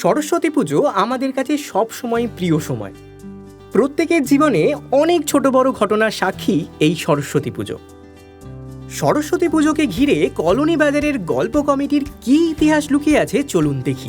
সরস্বতী পুজো আমাদের কাছে সবসময় প্রিয় সময়। প্রত্যেকের জীবনে অনেক ছোট বড় ঘটনার সাক্ষী এই সরস্বতী পুজো। সরস্বতী পুজোকে ঘিরে কলোনি বাজারের গল্প কমিটির কী ইতিহাস লুকিয়ে আছে চলুন দেখি।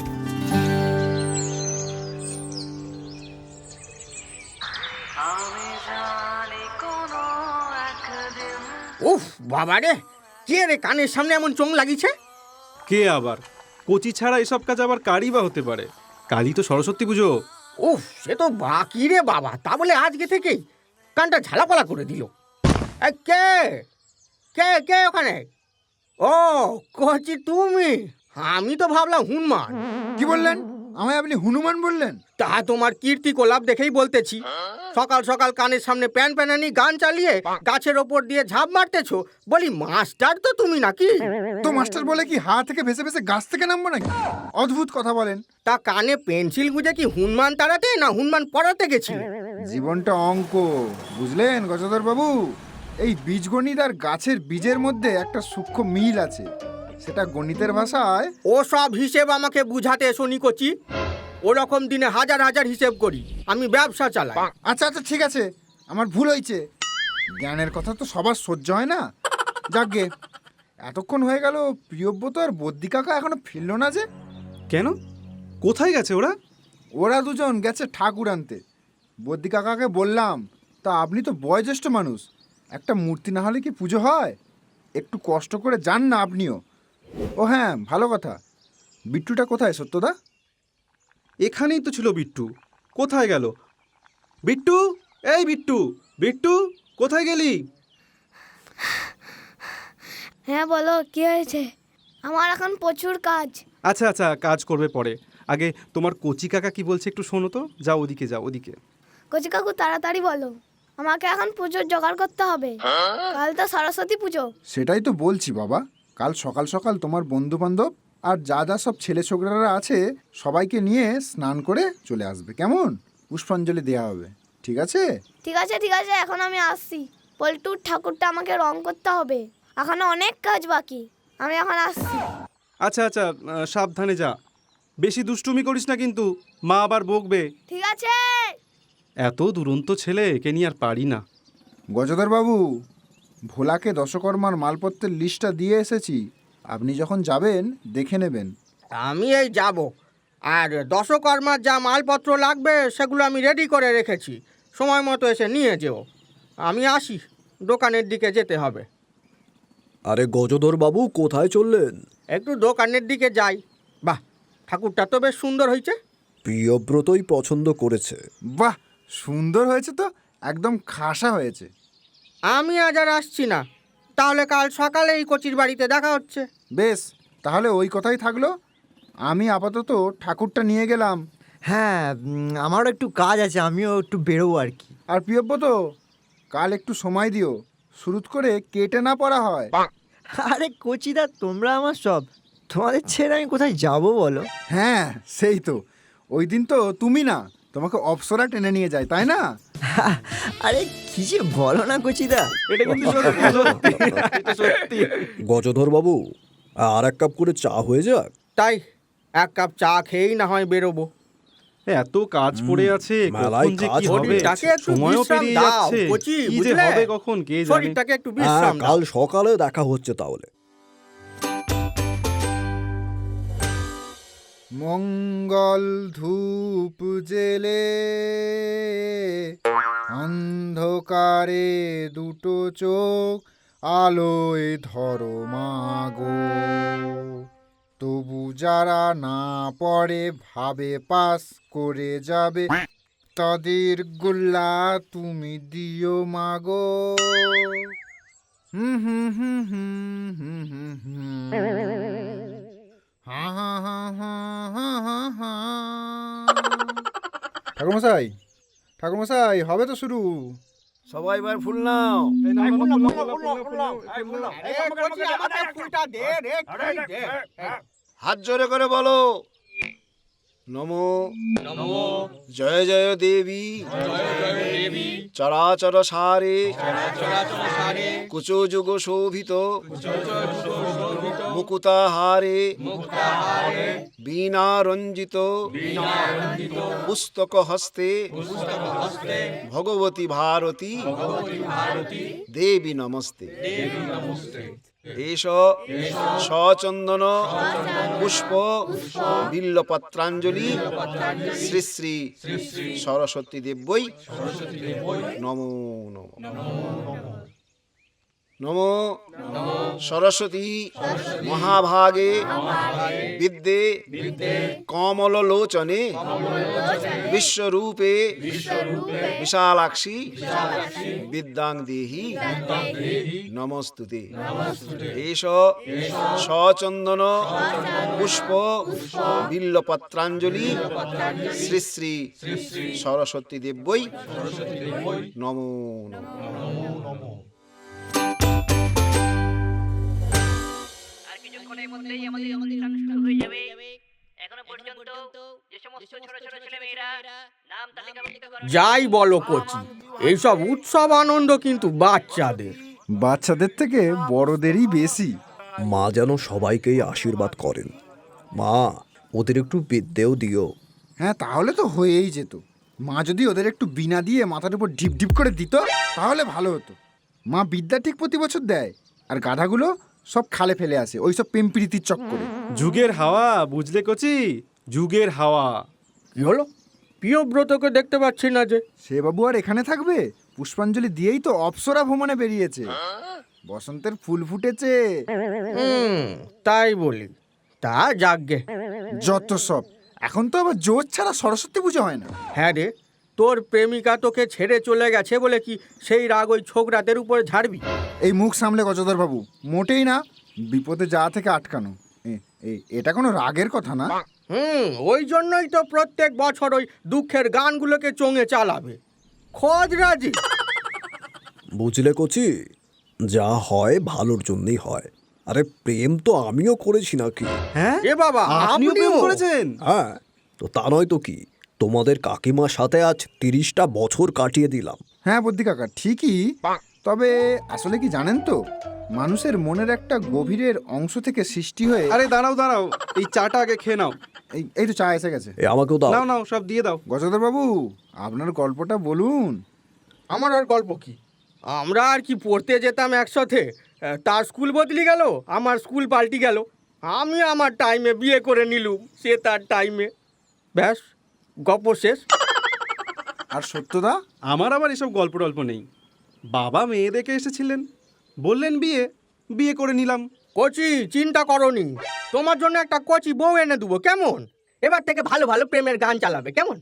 উফ বাবা রে, কে রে কানের সামনে এমন চোং লাগিছে? কে আবার? কচি ছাড়া এসব কাজ আবার কারই বা হতে পারে? কালই তো সরস্বতী পুজো। উফ, সে তো বাকি রে বাবা, তা বলে আজকে থেকেই কানটা ঝালাপালা করে দিল। কে কে কে ওখানে? ও কচি তুমি? আমি তো ভাবলাম হনুমান। কি বললেন? আমায় আপনি হনুমান বললেন? তা তোমার কীর্তি কোলাপ দেখেই বলতেছি। সকাল সকাল কানের সামনে প্যান প্যানানি গান চালিয়ে গাছের ওপর দিয়ে ঝাঁপ মারতেছো, বলি মাস্টার তো তুমি নাকি? তো মাস্টার বলে কি হাত থেকে ভেসে ভেসে গাছ থেকে নামবো নাকি? অদ্ভুত কথা বলেন। তা কানে পেন্সিল গুঁজে কি হনুমান তাড়াতে না হনুমান পড়াতে গেছিলে? জীবনটা অঙ্ক, বুঝলেন গজধর বাবু? এই বীজগণিত আর গাছের বীজের মধ্যে একটা সূক্ষ্ম মিল আছে, সেটা গণিতের ভাষায়। ও সব হিসেব আমাকে বুঝাতে এসো নি কচি। ওরকম দিনে হাজার হাজার হিসেব করি, আমি ব্যবসা চালাই। আচ্ছা আচ্ছা ঠিক আছে, আমার ভুল হয়েছে। জ্ঞানের কথা তো সবার সহ্য হয় না। যাকগে, এতক্ষণ হয়ে গেল প্রিয়ব্রত আর বদ্যি কাকা এখনো ফিরল না যে? কেন? কোথায় গেছে ওরা? ওরা দুজন গেছে ঠাকুর আনতে। বদ্যি কাকাকে বললাম, তা আপনি তো বয়োজ্যেষ্ঠ মানুষ, একটা মূর্তি না হলে কি পুজো হয়? একটু কষ্ট করে যান না আপনিও। ও হ্যাঁ, ভালো কথা, বিট্টুটা কোথায় সত্যদা? এখানেই তো ছিল বিট্টু। কোথায় গেল? বিট্টু, এই বিট্টু, বিট্টু কোথায় গেলি? হ্যাঁ বলো, কি হয়েছে? আমার এখন প্রচুর কাজ। আচ্ছা আচ্ছা, কাজ করবে পরে। আগে তোমার কচি কাকা কি বলছে একটু শোনো তো। যাও ওদিকে, যাও ওদিকে। কচি কাকু তাড়াতাড়ি বলো, আমাকে এখন পুজোর জোগাড় করতে হবে। কাল তো সরস্বতী পুজো। সেটাই তো বলছি বাবা, কাল সকাল সকাল তোমার বন্ধু বান্ধব আর যা যা সব ছেলে ছোকরারা আছে সবাইকে নিয়ে স্নান করে চলে আসবে, কেমন? পুষ্পাঞ্জলি দেওয়া হবে, ঠিক আছে? ঠিক আছে ঠিক আছে, এখন আমি আসছি। পল্টুর ঠাকুরটা আমাকে রং করতে হবে, এখনো অনেক কাজ বাকি। আমি এখন আসছি। আচ্ছা আচ্ছা, সাবধানে যা, বেশি দুষ্টুমি করিস না কিন্তু, মা আবার বকবে। ঠিক আছে। এত দুরন্ত ছেলে, একে নিয়ে আর পারি না। গজধর বাবু, ভোলাকে দশকর্মার মালপত্রের লিস্টটা দিয়ে এসেছি, আপনি যখন যাবেন দেখে নেবেন। আমি এই যাব, আর দশকর্মার যা মালপত্র লাগবে সেগুলো আমি রেডি করে রেখেছি, সময় মতো এসে নিয়ে যেও। আমি আসি, দোকানের দিকে যেতে হবে। আরে গজধর বাবু, কোথায় চললেন? একটু দোকানের দিকে যাই। বাহ, ঠাকুরটা তো বেশ সুন্দর হয়েছে। প্রিয়ব্রতই পছন্দ করেছে। বাহ, সুন্দর হয়েছে তো, একদম খাসা হয়েছে। আমি আজ আর আসছি না, তাহলে কাল সকালে এই কচির বাড়িতে দেখা হচ্ছে। বেশ, তাহলে ওই কথাই থাকলো। আমি আপাতত ঠাকুরটা নিয়ে গেলাম। হ্যাঁ, আমারও একটু কাজ আছে, আমিও একটু বেরোবো আর কি। আর প্রিয়ব্রত, কাল একটু সময় দিও, শুরুত করে কেটে না পড়া হয়। আরে কচিদা, তোমরা আমার সব, তোমাদের ছেড়ে আমি কোথায় যাব বলো? হ্যাঁ সেই তো, ওই দিন তো তুমি না, তোমাকে অপ্সরা টেনে নিয়ে যায়, তাই না? আরে কি যে বলো না কচিদা। এটা কিন্তু সত্যি সত্যি, এটা সত্যি। গজধর বাবু, আর এক কাপ করে চা হয়ে যাক। তাই এক কাপ চা খেয়েই না হয় বেরোবো। এত কাজ পড়ে আছে, মেলায় কখন যে কাজ কি হবে। হবে, শরীরটাকে একটু সময়ও বিশ্রাম পেরিয়ে দাও, যাচ্ছে, কচি, কি যে বুঝলে? হবে কখন কে জানে। শরীরটাকে একটু হ্যাঁ, বিশ্রাম দাও। কাল সকালে দেখা হচ্ছে তাহলে। মঙ্গল ধূপ জেলে অন্ধকারে দুটো চোখ আলোয় ধরো মাগো, তবু যারা না পড়ে ভাবে পাস করে যাবে, তাদের গোল্লা তুমি দিও মাগো। হুম হুম হুম হুম হুম হুম হুম। হা হা হা হা হা হা হা। ঠাকুরমশাই, ঠাকুরমশাই, হবে তো শুরু। সবাই এবার ফুল নাও। হাত জোরে করে বলো, নমো নমো জয় জয় দেবী, চরাচর সারে কুচ যুগ শোভিত মুকুতাহারে বীণারঞ্জিত পুস্তক হস্তে ভগবতী ভারতী দেবী নমস্তে। এষ সচন্দন পুষ্প বিল্লপত্রাঞ্জলি শ্রী শ্রী সরস্বতী দেব্যই নমো নমঃ। নমো সরস্বতী মহাভাগে বিদ্যে কমললোচনে বিশ্বরূপে বিশালাক্ষী বিদ্যাং দেহি নমস্তুতে। এষ সচন্দন পুষ্প বিল্লপত্রাঞ্জলি শ্রী শ্রী সরস্বতী দেব্যই নমো নমঃ। আর কিছুক্ষণের মধ্যেই আমাদের অনুষ্ঠান শুরু হয়ে যাবে। এখনো পর্যন্ত যে সমস্ত ছোট ছোট ছেলেমেয়েরা নাম তালিকাভুক্ত করা যাই বলো কচি, এইসব উৎসব আনন্দ কিন্তু বাচ্চাদের। বাচ্চাদের থেকে বড়দেরই বেশি। মা যেন সবাইকেই আশীর্বাদ করেন। মা, ওদের একটু বিদ্যেও দিও। হ্যাঁ, তাহলে তো হয়েই যেত। মা যদি ওদের একটু বিনা দিয়ে মাথার উপর ঢিপ ঢিপ করে দিত তাহলে ভালো হতো। মা বিদ্যা ঠিক প্রতি বছর দেয়, আর গাধাগুলো সব খালে ফেলে আসে ওইসব প্রেমপ্রীতির চক্করে। যুগের হাওয়া, বুঝলে কচি, যুগের হাওয়া। কি হলো? প্রিয়ব্রতকে দেখতে পাচ্ছি না যে। সে বাবু আর এখানে থাকবে? পুষ্পাঞ্জলি দিয়েই তো অপ্সরা ভ্রমণে বেরিয়েছে। বসন্তের ফুল ফুটেছে। তাই বলি, তা যাকগে। যত সব, এখন তো আবার জোর ছাড়া সরস্বতী পুজো হয় না। হ্যাঁ রে, তোর প্রেমিকা তোকে ছেড়ে চলে গেছে বলে কি সেই রাগ ওই ছোকরাদের উপরে ঝাড়বি? এই মুখ সামলে গজধর বাবু, মোটেই না। বিপদে যাওয়া থেকে আটকানো, এটা কোনো রাগের কথা না। ওই জন্যই তো প্রত্যেক বছর ওই দুঃখের গানগুলোকে চোঙে চালাবে। খোঁজ রাজি। বুঝলে কচি, যা হয় ভালোর জন্যই হয়। আরে প্রেম তো আমিও করেছি নাকি? হ্যাঁ, এ বাবা, আপনিও প্রেম আপনিও? করেছেন? হ্যাঁ, তো তা নয় তো কি। তোমাদের কাকিমার সাথে আজ 30টা বছর কাটিয়ে দিলাম। হ্যাঁ বদ্যি কাকা, ঠিকই। তবে আসলে কি জানেন তো, মানুষের মনের একটা গভীরের অংশ থেকে সৃষ্টি হয়ে। আরে দাঁড়াও দাঁড়াও, এই চাটা আগে খেয়ে নাও। এই তো চা এসে গেছে। এ আমাকেও দাও। নাও নাও, সব দিয়ে দাও। গজধর বাবু, আপনার গল্পটা বলুন। আমার আর গল্প কি? আমরা আর কি পড়তে যেতাম একসাথে, তার স্কুল বদলি গেল, আমার স্কুল পাল্টি গেল। আমি আমার টাইমে বিয়ে করে নিলুম, সে তার টাইমে। ব্যাস, গল্প শেষ। আর সত্যদা? আমার আবার এসব গল্প টল্প নেই। বাবা মেয়ে দেখে এসেছিলেন, বললেন বিয়ে, বিয়ে করে নিলাম। কচি, চিন্তা করনি, তোমার জন্য একটা কচি বউ এনে দেবো, কেমন? এবার থেকে ভালো ভালো প্রেমের গান চালাবে, কেমন?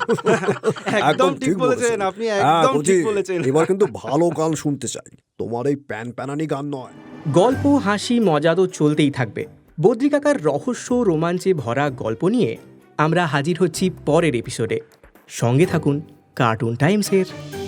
একদম ঠিক বলেছেন আপনি, একদম কচি, ঠিক বলেছেন। এবার কিন্তু ভালো গান শুনতে চাই, তোমার এই প্যান প্যানানি গান নয়। গল্প, হাসি, মজা তো চলতেই থাকবে। বদ্রি কাকার রহস্য রোমাঞ্চে ভরা গল্প নিয়ে আমরা হাজির হচ্ছি পরের এপিসোডে। সঙ্গে থাকুন কার্টুন টাইমসের।